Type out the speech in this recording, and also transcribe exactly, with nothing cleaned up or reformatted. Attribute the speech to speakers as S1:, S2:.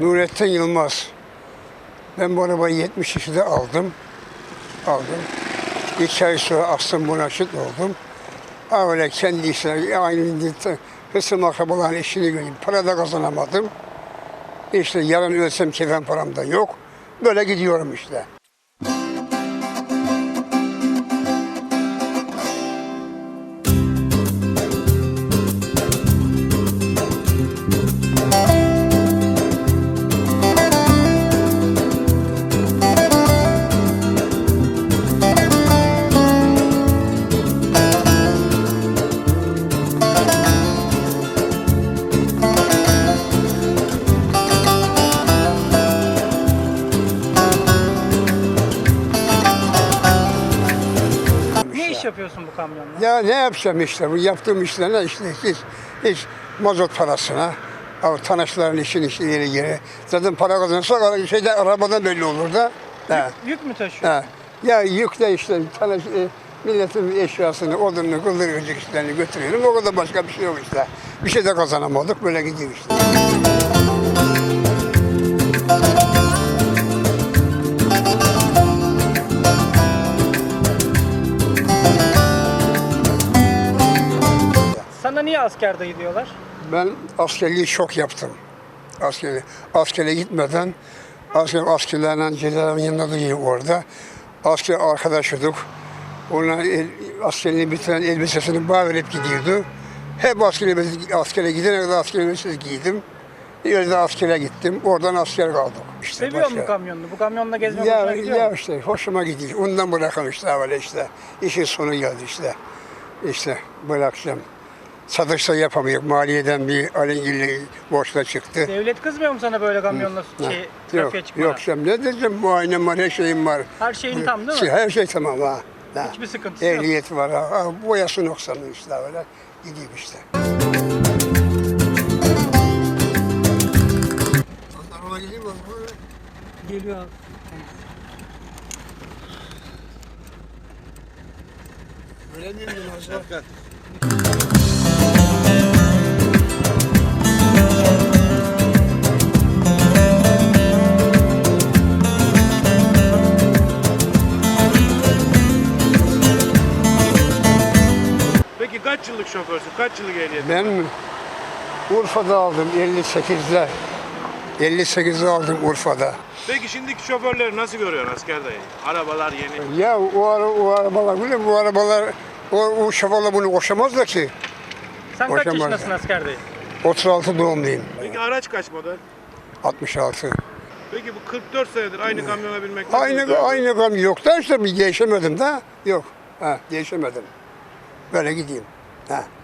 S1: Nurettin Yılmaz. Ben bu arabayı yetmiş yaşında aldım. Aldım. İki ay sonra astım buna şık oldum. Öyle kendi işine, aynı hısım akrabaların işini göreyim. Para da kazanamadım. İşte yarın ölsem kefen param da yok. Böyle gidiyorum işte.
S2: Ne iş yapıyorsun bu kamyonla?
S1: Ya ne yapacağım işte, bu yaptığım işler ne işte, hiç, hiç mazot parasına, o tanışların işin işi yeri yeri. Zaten para kazanırsak şeyden, arabadan belli olur da.
S2: Yük, yük mü taşıyor?
S1: Ha. Ya yükle işte, tanış, e, milletin eşyasını, odununu, kıldırıcı işlerini götürüyorum. O kadar başka bir şey yok işte. Bir şey de kazanamadık, böyle gidiyor işte.
S2: Sana niye asker dayı diyorlar?
S1: Ben askerliği çok yaptım. Askeri, askere gitmeden asker, askerlerle cezaevinin yanında duruyor orada. Asker arkadaşıydık. Ona el, askerliği bitiren elbisesini bağ verip gidiyordu. Hep askere, askere gidene kadar asker elbisesi giydim. Yerde askere gittim. Oradan asker kaldık. İşte
S2: Seviyor musun kamyonunu? Bu kamyonla gezmek
S1: ya,
S2: hoşuna gidiyor
S1: ya
S2: mu?
S1: işte hoşuma gidiyor. Ondan bırakın işte öyle işte. İşin sonu geldi işte. İşte bırakacağım. Satışta yapamıyor. Maliyeden bir alengirli borçla çıktı.
S2: Devlet kızmıyor mu sana böyle kamyonla şey,
S1: Yok,
S2: trafiğe çıkmana?
S1: yok canım. Ne diyeceğim? Muayenem var, her şeyim var.
S2: Her şeyin tam değil mi?
S1: Her şey tamam ha. ha.
S2: Hiçbir sıkıntısı yok.
S1: Ehliyeti var ha. ha. Boyası noksanlı işte öyle. Gidiyor işte. Araba geliyor mu?
S2: Geliyor abi.
S1: Öyle değil mi? Şefkat.
S3: Peki kaç yıllık şoförsün? Kaç yıllık ehliyetin?
S1: Ben Urfa'da aldım elli sekizde. elli sekizde aldım Urfa'da.
S3: Peki şimdiki şoförleri nasıl görüyorsun asker dayı? Arabalar yeni.
S1: Ya o, ara, o arabalar, biliyor musun? Bu arabalar, o, o şoförler bunu koşamazlar ki.
S2: Sen kaç
S1: Boşanmaz
S2: yaşındasın
S1: ya.
S2: asker dayı?
S1: otuz altı doğumluyum.
S3: Peki araç kaç model?
S1: altmış altı.
S3: Peki bu kırk dört senedir aynı kamyona binmek nasıl?
S1: Aynı aynı gam yok da işte bir değişemedim de. Yok. Ha, değişemedim. Böyle gideyim. Ha.